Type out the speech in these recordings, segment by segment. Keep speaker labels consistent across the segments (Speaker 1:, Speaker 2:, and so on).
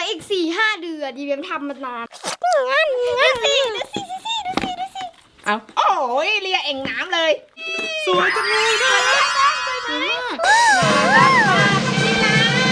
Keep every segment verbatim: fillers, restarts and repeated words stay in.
Speaker 1: อีกสี่ห้าเดือนยีเบียมทำมานานงั้นงั้นสิดูสิดูสิดูสิดูสิเอาโอ้ยเลียเอ่งน้ำเลยสวยจังเลยนะสวยมากน่ารักมากพี่นะ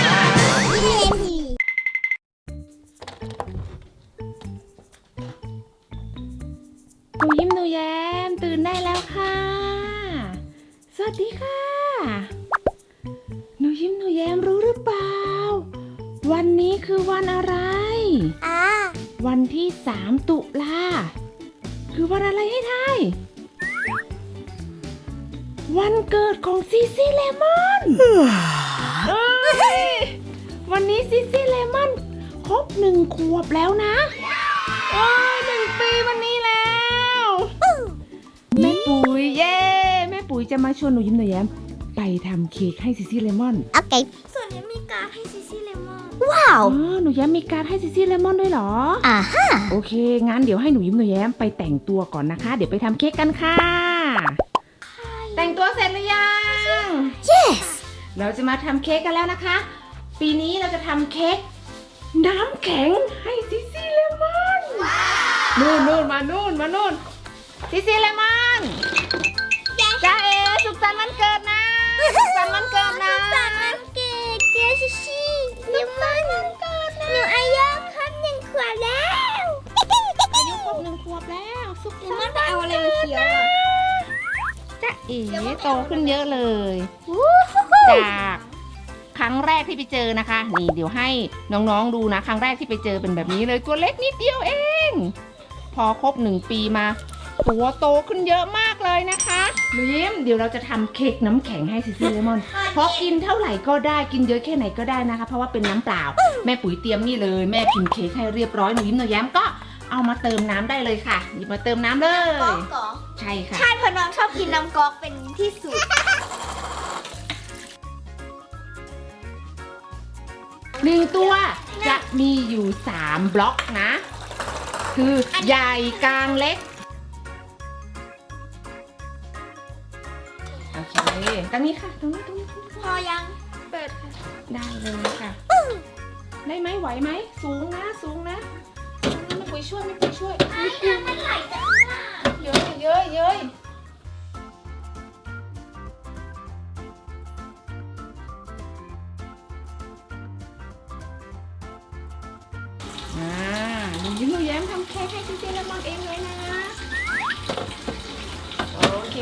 Speaker 1: หนูยิ้มหนูแย้มตื่นได้แล้วค่ะสวัสดีค่ะหนูยิ้มหนูแย้มรู้หรือเปล่าวันนี้คือวันอะไรอ่าวันที่สามตุลาคือวันอะไรให้ทายวันเกิดของซีซีเลมอนเอ้ยวันนี้ซีซีเลมอนครบหนึ่งขวบแล้วนะโอ้ยหนึ่งปีวันนี้แล้วแม่ปุ๋ยเย้แม่ปุ๋ยจะมาชวนหนูยิ้มหนูแย้มไปทำเค้กให้ซีซีเลมอนโอเคส่วนนี้มีการ์ดให้ซีซีเลมอนว้าวหนูแย้มมีการ์ดให้ซีซีเลมอนด้วยเหรออ่าฮะโอเคงั้นเดี๋ยวให้หนูยิ้มหนูแย้มไปแต่งตัวก่อนนะคะเดี๋ยวไปทำเค้กกันค่ะแต่งตัวเสร็จหรือยัง yes เราจะมาทำเค้กกันแล้วนะคะปีนี้เราจะทำเค้กน้ำแข็งให้ซีซีเลมอนนู่นนู่นมานู่นมานู่นซีซีเลมอนจ้าเอสุขสันต์วันเกิดนะสุขสันต์วันเกิดนะสุขสันต์วันเกิดเจ้าซีซีเลมอนวันเกิดนะหนูอายุครบหนึ่งขวบแล้วอายุครบหนึ่งขวบแล้วสุขสันต์วันเกิดเอาอะไรมาเคี้ยวจ้าเอโตขึ้นเยอะเลยจากครั้งแรกที่ไปเจอนะคะนี่เดี๋ยวให้น้องๆดูนะครั้งแรกที่ไปเจอเป็นแบบนี้เลยตัวเล็กนิดเดียวเองพอครบหนึ่งปีมาตัวโตขึ้นเยอะมากเลยนะคะยิ้มเดี๋ยวเราจะทำเค้กน้ำแข็งให้ซิซี่เลมอนเพราะกินเท่าไหร่ก็ได้กินเยอะแค่ไหนก็ได้นะคะเพราะว่าเป็นน้ำเปล่าแม่ปุ๋ยเตรียมนี่เลยแม่พิมพ์เค้กให้เรียบร้อยหนูยิ้มหนูแย้มก็เอามาเติมน้ำได้เลยค่ะหยิบมาเติมน้ำเลยน้ำก๊อกเหรอใช่ค่ะใช่เพราะน้องชอบกินน้ำก๊อกเป็นที่สุดหนึ่งตัวจะมีอยู่สามบล็อกนะคือใหญ่กลางเล็กโอเคตรงนี้ค่ะตรงนี้ตรงนี้พอยังเปิดค่ะได้เลยค่ะได้ไหมไหวไหมสูงนะสูงนะไม่คุยช่วยไม่คุยช่วยไม่คุยมันไหลจังล่ะเยอะเยอะเยอะอ่าหนูยิ้มหนูแย้มทำเค้กให้ซีซีเลมอนเองเลยนะโอเค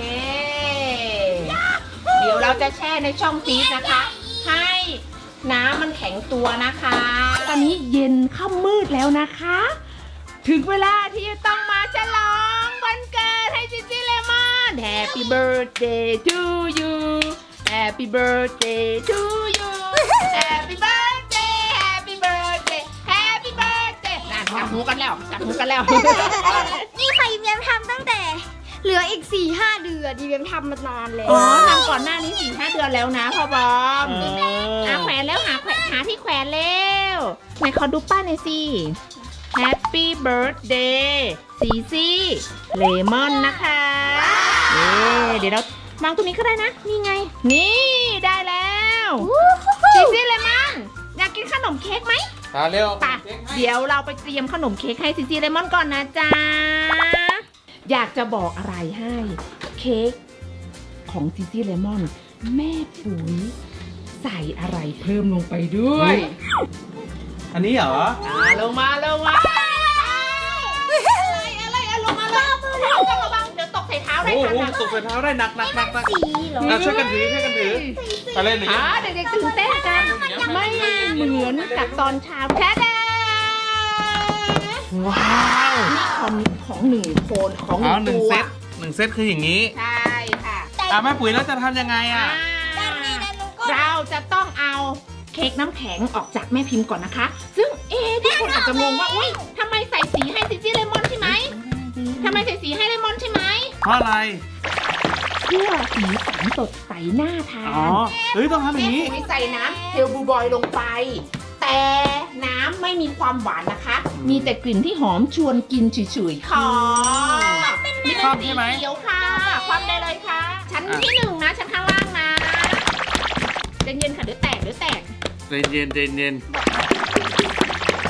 Speaker 1: เดี๋ยวเราจะแช่ในช่องฟรีซนะคะให้น้ำมันแข็งตัวนะคะตอนนี้เย็นค่ำมืดแล้วนะคะถึงเวลาที่จะต้องมาฉลองวันเกิดให้ซีซีเลมอน Happy birthday to you Happy birthday to you Happy birthday Happy birthday Happy birthday นั่นจับหูกันแล้วจับหูกันแล้วนี่ค่ะยิ้มแย้มทำตั้งแต่เหลืออีก สี่ห้า เดือนยิ้มแย้มทำมานานแล้วอ๋อทำก่อนหน้านี้ สี่ห้า เดือนแล้วนะพ่อบอมหาแขวนแล้วหาแขวนหาที่แขวนแล้วไหนขอดูป้าหน่อยสิ Happy birthday ซีซีเลมอนนะคะเดี๋ยวเราวางตรงนี้ก็ได้นะนี่ไงนี่ได้แล้วซีซีเลมอนอยากกินขนมเค้กไหมมาเร็วป่ะเดี๋ยวเราไปเตรียมขนมเค้กให้ซีซีเลมอนก่อนนะจ๊ะอยากจะบอกอะไรให้เค้กของซีซีเลมอนแม่ปุ๋ยใส่อะไรเพิ่มลงไปด้วย
Speaker 2: อันนี้เหรอ
Speaker 1: อ่าลงมาลงมาอะไรอะไรอะลงมาเลยต้องระวังเดี๋ยวตกใส่เท้าได้ค่ะ
Speaker 2: โอ้ตกใส่เท้าได้หนักหนักหนักหนักช่วยกันถือช่วยกันถืออะไรหนึ่ง
Speaker 1: เด็กๆตื่นเต้นกันไม่เหมือนกับตอนเช้าแค่เด็
Speaker 2: ว้าว
Speaker 1: นี่ของของหนึ่งคนของหนึ่งตัว
Speaker 2: หนึ่งเซตหนึ่งเซตคืออย่างนี้
Speaker 1: ใช่ค่ะ
Speaker 2: อ่ะแม่ปุ๋ยแล้วจะทำยังไงอ่ะ
Speaker 1: เราจะต้องเอาเค้กน้ำแข็งออกจากแม่พิมพ์ก่อนนะคะซึ่งเอ๊ะทุกคนอาจจะงงว่าอุ้ยทำไมใส่สีให้ซิซี่เลมอนใช่ไหมทำไมใส่สีให้เลมอนใช่ไหม
Speaker 2: เพราะอะไร
Speaker 1: เพื่อสีสันสดใสน่าทาน
Speaker 2: อ๋อเฮ้ยต้องทำอย่างนี้
Speaker 1: แม่ปุ๋ยใส่น้ำเฮลบูบอยลงไปแต่น้ำไม่มีความหวานนะคะมีแต่กลิ่นที่หอมชวนกินเฉยๆค่ะ
Speaker 2: มีความใช่ไหม
Speaker 1: เขียวค่ะความได้เลยค่ะชั้นที่หนึ่งนะชั้นข้างล่างนะเย็นๆค่ะเดี๋ยวแตกเดี๋ยวแตก
Speaker 2: เย็นเย็นเย็นเย็น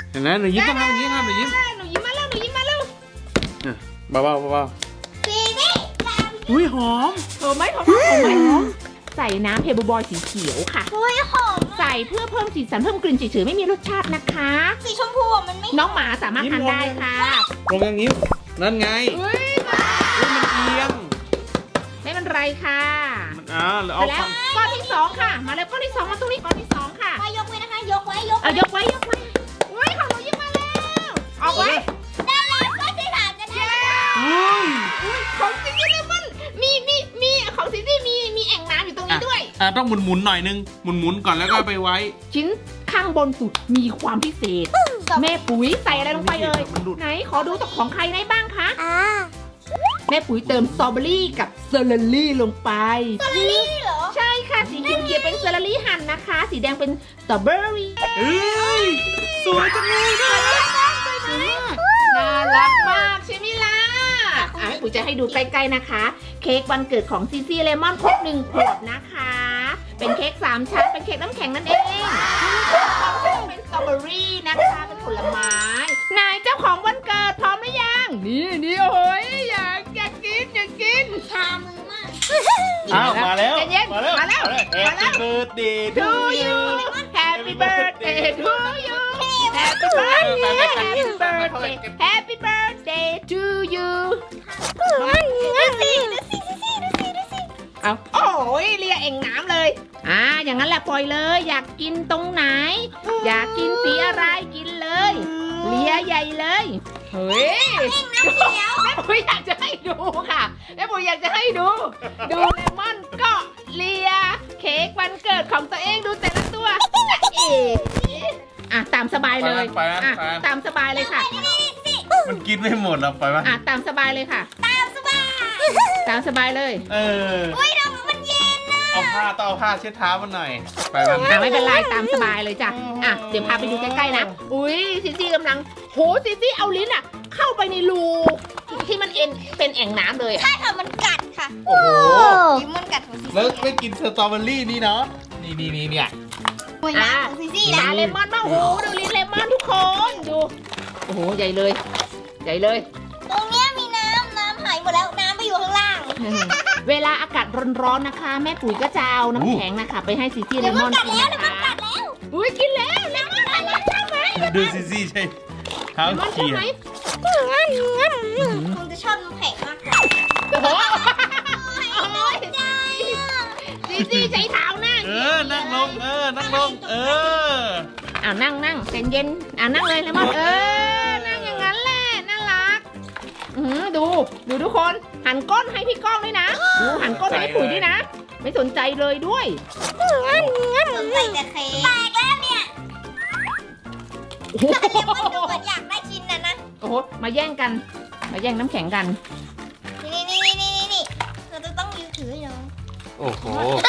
Speaker 2: เห็นไหมหนูยิ้มต้องทำอย่างนี้ครับหนูยิ้ม
Speaker 1: หนูยิ้มมาแล้วหนูยิ้มมาแล้ว
Speaker 2: เบาเบาเบา
Speaker 3: ซีซี่
Speaker 2: อุ้ยหอม
Speaker 1: เออไหมหอมไหมหอมไหมใส่น้ำเพบูบอยสีเขียวค่ะ
Speaker 3: โอ้ยหอม
Speaker 1: ใส่เพื่อเพิ่มสีสันเพิ่มกลิ่นเฉยๆไม่มีรสชาตินะคะ
Speaker 3: สีชมพูอะมันไม่
Speaker 1: น้องหมาสามารถทานได้ค่ะ
Speaker 2: ลงอย่างนี้นั่นไง
Speaker 1: เฮ้ย
Speaker 2: อุ้ยมันเอียง
Speaker 1: ไม่เป็นไรค่ะ
Speaker 2: มันอ่าแล้ว
Speaker 1: เส
Speaker 2: เอา
Speaker 1: ร็จแล้ว
Speaker 2: ฟัน
Speaker 1: ก้อนที่สองค่ะ มาเลยก้อนที่สองมาตรงนี้ก้อนที่สองค่ะ
Speaker 3: มายกไว้นะคะ ยกไว้ยก
Speaker 1: เอายกไว้ยกไว้เฮ้ยของหนูยิ้มมาแล้วออกไว้
Speaker 3: ได้แล้วก็ที่สามจะได้
Speaker 2: อุ้ย
Speaker 1: อุ๊ยของซิซี่เลมอนมีมีมีของซิซี่มีมีแอ่งน้ำอยู่ตรงนี้ด้วย
Speaker 2: อ่ะต้องหมุนหมุนๆหน่อยนึงหมุนหมุนๆก่อนแล้วก็เอาไปไว้
Speaker 1: ชิ้นข้างบนสุดมีความพิเศษ แม่ปุ๋ยใส่อะไรลงไปเอ่ย
Speaker 2: มันหลุด
Speaker 1: ไหนขอดูตัวของใครได้บ้างคะ
Speaker 3: อ่า
Speaker 1: แม่ปุ๋ยเติมสตรอเบอรี่กับเซอร์เรลลี่ลงไป
Speaker 3: สตรอเบอรี่เหรอ
Speaker 1: ใช่ค่ะสีเขียวๆเป็นเซอร์เรลลี่หั่นนะคะ สีแดงเป็นสตรอเบอรี่
Speaker 2: เอ้ยสวยจังเลยนะ
Speaker 1: น่ารักมากใช่ไหมล่ะอ่ะแม่ปุ๋ยจะให้ดูใกล้ๆนะคะ เค้กวันเกิดของซีซีเลมอนครบหนึ่งขวบนะคะ เป็นเค้กสามชั้นเป็นเค้กน้ำแข็งนั่นเองเป็นสตรอเบอรี่นะคะเป็นผลไม้นายเจ้าของวันเกิดพร้อมหรือยังนี่นี่โอ้ยอยากอยากกินอยากกิน
Speaker 3: ชามือมาก
Speaker 2: อ้าวมาแล้ว
Speaker 1: ใจเย็น
Speaker 2: มาแล้ว
Speaker 1: มาแล้ว
Speaker 2: มาแล้ว Happy birthday to
Speaker 1: to
Speaker 2: you
Speaker 1: you Happy birthday to you Happy birthday Happy birthday Happy birthday to you
Speaker 3: ดูสิดูสิดูสิดูสิดูสิ
Speaker 1: เอาโอ้ยเลียเอ่งน้ำเลยอ่าอย่างนั้นแหละปล่อยเลย อยากกินตรงไหน อยากกินสีอะไรกินเลยเลียใหญ่เลยเฮ้ย
Speaker 3: น้ำเขียว
Speaker 1: แม่ปุ๋ยอยากจะให้ดูค่ะแม่ปุ๋ยอยากจะให้ดู ดูเลมอนก็เลียเค้กวันเกิดของตัวเองดูแต่ละตัวเอ๋อ่ะตามสบายเลย
Speaker 2: ไปนะไปนะ
Speaker 1: อ่ะ
Speaker 2: ไปนะ
Speaker 1: ตามสบายเลยค่ะ
Speaker 3: นี่นี่สิ
Speaker 2: มันกินไม่หมดหรอกไปปะ
Speaker 1: อ่ะตามสบายเลยค่ะ
Speaker 3: ตามสบาย
Speaker 1: ตามสบายเลย
Speaker 2: เออ
Speaker 3: อุ้ยน้ำมันเย็นนะ
Speaker 2: เอาผ้าต้องเอาผ้าเช็ดเท้ามันหน่อย ไปปะ
Speaker 1: อ่ะไม่เป็นไรตามสบายเลยจ้ะอ่ะเดี๋ยวพาไปดูใกล้ๆนะอุ้ยซิซี่กำลังโหซิซี่เอาลิ้นอ่ะ เข้าไปในรูที่มันเอ็นเป็นแอ่งน้ำเลยอ่ะ
Speaker 3: ใช่ค่ะมันกัดค่ะ
Speaker 2: โอ้โห
Speaker 3: ยิ้มมันกัดของซี
Speaker 2: แล้ว
Speaker 3: ซี่
Speaker 2: ไม่กินสตรอเบอรี่นี่เนาะ นี่นี่นี่เนี่ย
Speaker 3: หวยน้ำของซีซี่
Speaker 1: ตา
Speaker 3: นะ
Speaker 1: เลมอนบ้างโอ้โหดูลิ้นเลมอนทุกคนดูโอ้โหใหญ่เลย ใหญ่เลย
Speaker 3: ตรงเนี้ยมีน้ำน้ำหายหมดแล้วน้ำไปอยู่ข้างล่าง
Speaker 1: เวลาอากาศร้อนๆนะคะ แม่ปุ๋ยก็จะเอาน้ำแข็งนะคะ ไปให้ซิซี่เล
Speaker 3: เดี๋ยว
Speaker 1: ม
Speaker 3: มั
Speaker 1: อน น
Speaker 3: กัด
Speaker 1: กิน
Speaker 3: แล้ว
Speaker 1: นะ
Speaker 3: เดี๋ยวมัน
Speaker 1: คะ
Speaker 3: กัดแล้ว
Speaker 1: อุ้ยกินแล้วเลมอนอะไรใช่ไหม
Speaker 2: ดูซิซี่ใช่เท้า
Speaker 1: เลมอนใช่
Speaker 2: เขีย
Speaker 1: ไหม
Speaker 3: คงจะชอบน้ำแข็งมากกว่า
Speaker 1: โอ้โห
Speaker 3: โอ้ยใจ
Speaker 1: ซิซี่ใช้เท้านั่ง
Speaker 2: เออ นั่งลง เออ นั่งลง เออ
Speaker 1: อ้าวนั่งนั่งใจเย็นอ่านั่งเลยเลมอนเออนั่งอย่างนั้นแหละน่ารักอือดูดูทุกคนหันก้นให้พี่ก้องด้วยนะดูหันก้นให้พี่ปุ๋ยด้วยนะ ไม่สนใจเลยด้วย
Speaker 3: สนใจแต่เค้กแตกแล้วเนี่ย
Speaker 1: โอ้โห
Speaker 3: เลมอนดูเหมือนอยากได้ชิ้นนั้นนะ
Speaker 1: โอ้โหมาแย่งกัน มาแย่งน้ำแข็งกัน
Speaker 3: นี่นี่นี่นี่นี่เราจะต้องยืนถือให้น้อง
Speaker 2: โอ้โห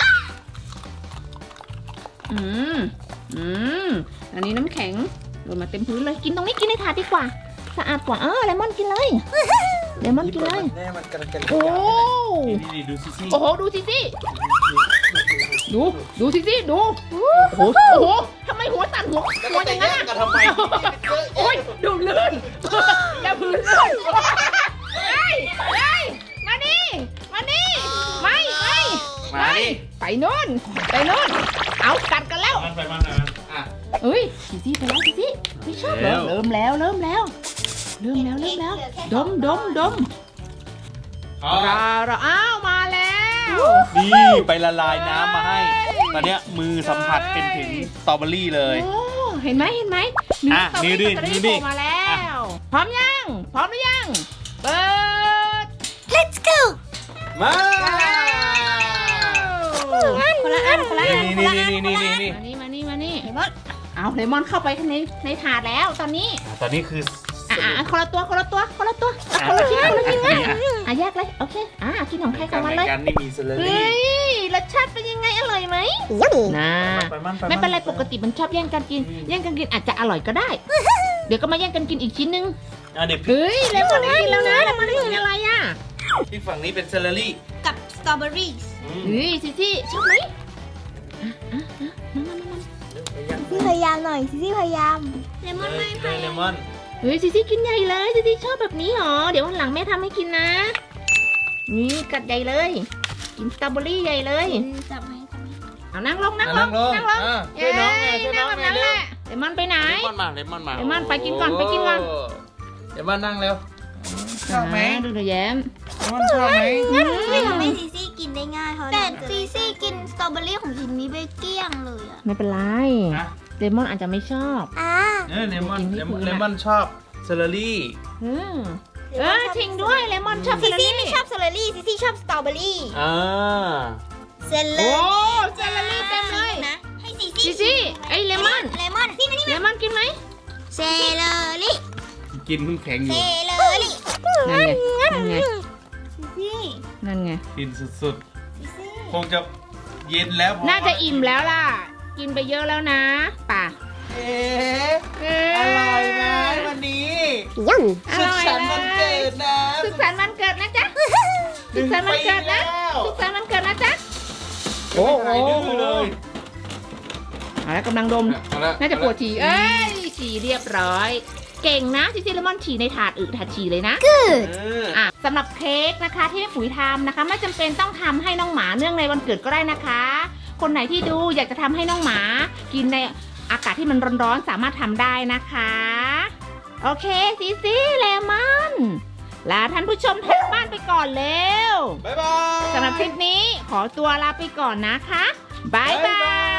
Speaker 1: อืมอืมอันนี้น้ำแข็งโดนมาเต็มพื้นเลยกินตรงนี้กินในถาดดีกว่าสะอาดกว่าเออเลมอนกินเลยเลมอนกินเลย
Speaker 2: แน่มันกระกัน
Speaker 1: โอ้
Speaker 2: นี่นี่ดูซิซี่
Speaker 1: โอ้โหดูซิซี่ดูดูซิซี่ดูโอ้โหโอ้โหทำไมหัวสั่นหัวหัวอย่างนั้นอะ
Speaker 2: กันทำไม
Speaker 1: โอ้ยดูลื่นแล้วพื้นลื่นเฮ้ยเฮ้ยมานี่มานี่ไม่ไม่
Speaker 2: มาดิ
Speaker 1: ไปนู่นไปนู่นเอากัดกันแล้ว
Speaker 2: มันไปมันมันอ่ะ
Speaker 1: เอ้ยซิซี่ไปแล้วซิซี่ไม่ชอบเหรอ
Speaker 2: แล้ว
Speaker 1: เริ่มแล้วเริ่มแล้วเริ่มแล้วเริ่มแล้วดมดมดม
Speaker 2: เอา
Speaker 1: ราราอ้าวมาแล้ว
Speaker 2: นี่ไปละลายน้ำมาให้ ตอนเนี้ยมือสัมผัสเป็นถึงสตรอเบอรี่เลย
Speaker 1: โอ้เห็นไหมเห็นไหม
Speaker 2: อ่ะ
Speaker 1: เนื้อ
Speaker 2: นี่ดิ
Speaker 1: สตรอเบอ
Speaker 2: นี่
Speaker 1: รี่
Speaker 2: ดิ
Speaker 1: โผล่มาแล้ว พร้อมยังพร้อมหรือยังเปิด
Speaker 3: let's go
Speaker 2: มา
Speaker 1: คนละอันคนละอัน
Speaker 2: นี่นี่นี่นี่นี่นี่
Speaker 1: มานี่มานี่มานี่
Speaker 3: เลมอน
Speaker 1: เอาเลมอนเข้าไปข้างในในถาดแล้วตอนนี้
Speaker 2: อ่ะตอนนี้คือ
Speaker 1: อ่ะอ่ะอ่ะคนละตัวคนละตัวคนละตัวอ่ะคนละชิ้นคนละชิ้นอ่ะอ่ะแยกเลยโอเคอ่ะกินของใครของมันเลย
Speaker 2: กันนี่มีเซเลอ
Speaker 1: เฮ้
Speaker 2: รี่
Speaker 1: ยรสชาติเป็นยังไงอร่อยไหมน่า
Speaker 2: ไปมันไป
Speaker 1: ไม่เป็นไรปกติมันชอบแย่งกันกิน แย่งกันกินอาจจะอร่อยก็ได้ เดี๋ยวก็มาแย่งกันกินอีกชิ้นนึง
Speaker 2: อ่ะเดี๋ยว
Speaker 1: เฮ้ยเลมอนได้กินแล้วนะเลมอนได้กินอะไรอ่ะ
Speaker 2: ที่ฝั่งนี้เป็นเซเลอรี่
Speaker 3: กับสตรอเบอรี่
Speaker 2: อืม
Speaker 1: เฮ้ยซิซี่ชอบไหมอ่ะอ่ะอ่ะมามามามา
Speaker 3: ซีพยายามหน่อยซีพยายามเลมอน
Speaker 2: เล
Speaker 3: ไม่
Speaker 2: ย
Speaker 3: ไป
Speaker 2: เลมอน
Speaker 1: เฮ้ยซิซี่กินใหญ่เลยซิซี่ชอบแบบนี้หรอเดี๋ยววันหลังแม่ทำให้กินนะนี่กัดใหญ่เลยกินสตรอเบอรี่ใหญ่เลย
Speaker 3: จับไหมจับไหม
Speaker 1: เอานั่งลงนั่งล
Speaker 2: นั่
Speaker 1: ง
Speaker 2: งลง
Speaker 1: นั่งลง
Speaker 2: อ่ะช่วยน้องไงช่วยน้อง
Speaker 1: แบบ
Speaker 2: ไง
Speaker 1: นั้น
Speaker 2: เร็
Speaker 1: แห
Speaker 2: ว
Speaker 1: ละเลมอนไปไหน
Speaker 2: เลมอนมาเลมอนมา
Speaker 1: เลมอนไปกินก่อนไปกินก่อน
Speaker 2: เลมอนนั่งเร็วชอบไหม
Speaker 1: ดูหนูแย้ม
Speaker 2: เลมอนชอบไหม
Speaker 3: ไม่ทำให้ซีซี่กินได้ง่ายเขาแต่ซีซี่กินสตรอเบอรี่ของชิ้นนี้ไปเกลี้ยงเลยอะ
Speaker 1: ไม่เป็นไร
Speaker 2: นะ
Speaker 1: เลมอนอาจจะไม่ชอบ
Speaker 3: อ่า
Speaker 2: เออเลมอน
Speaker 1: กินไม่
Speaker 2: เลมอน
Speaker 1: ถึง
Speaker 2: เล
Speaker 1: อะ
Speaker 2: มอนชอบเซเลอรี่
Speaker 1: เออเออจริงด้วยเลมอนชอบ
Speaker 3: ซี
Speaker 1: เซเล
Speaker 3: ซี่
Speaker 1: อ
Speaker 3: ไม่
Speaker 1: รี่
Speaker 3: ชอบสตรอเบอรี่ซีซี่ชอบสตรอเบอรี่
Speaker 2: อ่า
Speaker 3: เซเลอ
Speaker 1: โอ้
Speaker 3: รี่
Speaker 1: เซเลอรี่เต็มเลย
Speaker 3: นะให้ซี
Speaker 1: ซี
Speaker 3: ซี่
Speaker 1: ซี่ไอ้เลมอน
Speaker 3: เลมอนนี่มานี่
Speaker 1: เลมอนกินไหม
Speaker 3: เซเลอรี่
Speaker 2: กินเพิ่งแข็งอ
Speaker 3: เซ
Speaker 2: ยู่
Speaker 3: เลอรี่
Speaker 1: นั่นไงนั่นไง
Speaker 3: ซีซี่
Speaker 1: นั่นไง
Speaker 2: กินสุด
Speaker 3: ซีซี่
Speaker 2: ๆ คงจะเย็นแล้วพ
Speaker 1: น่าจะอิ่มแล้วล่ะ กินไปเยอะแล้วนะป่ะ
Speaker 2: เอ๊ะ
Speaker 1: เ
Speaker 2: อร่อยไหมวันนี้
Speaker 3: ยัง
Speaker 1: อ
Speaker 2: สุ
Speaker 1: ร่
Speaker 2: ข
Speaker 1: อย
Speaker 2: สันต์วันเกิดนะ
Speaker 1: สุขสันต์วันเกิดนะจ๊ะสุขสันต์วันเกิดนะสุขสันต์วันเกิดนะจ๊ะ
Speaker 2: โอ้โหเลย
Speaker 1: เอาแล้วกำลังดม น่าจะปวดฉี่เอ้ยฉี่เรียบร้อย เก่งนะซิซี่เลมอนฉี่ในถาดอึถาดฉี่เลยนะ
Speaker 2: เออ
Speaker 1: อ่ะสำหรับเค้กนะคะที่แม่ปุ๋ยทำนะคะไม่จำเป็นต้องทำให้น้องหมาเนื่องในวันเกิดก็ได้นะคะ คนไหนที่ดูอยากจะทำให้น้องหมา กินในอากาศที่มันร้อนๆสามารถทำได้นะคะ โอเคซิซี่เลมอนลาท่านผู้ชมทางบ้านไปก่อนเร็ว
Speaker 2: บ๊ายบาย
Speaker 1: สำหรับคลิปนี้ขอตัวลาไปก่อนนะคะบายบาย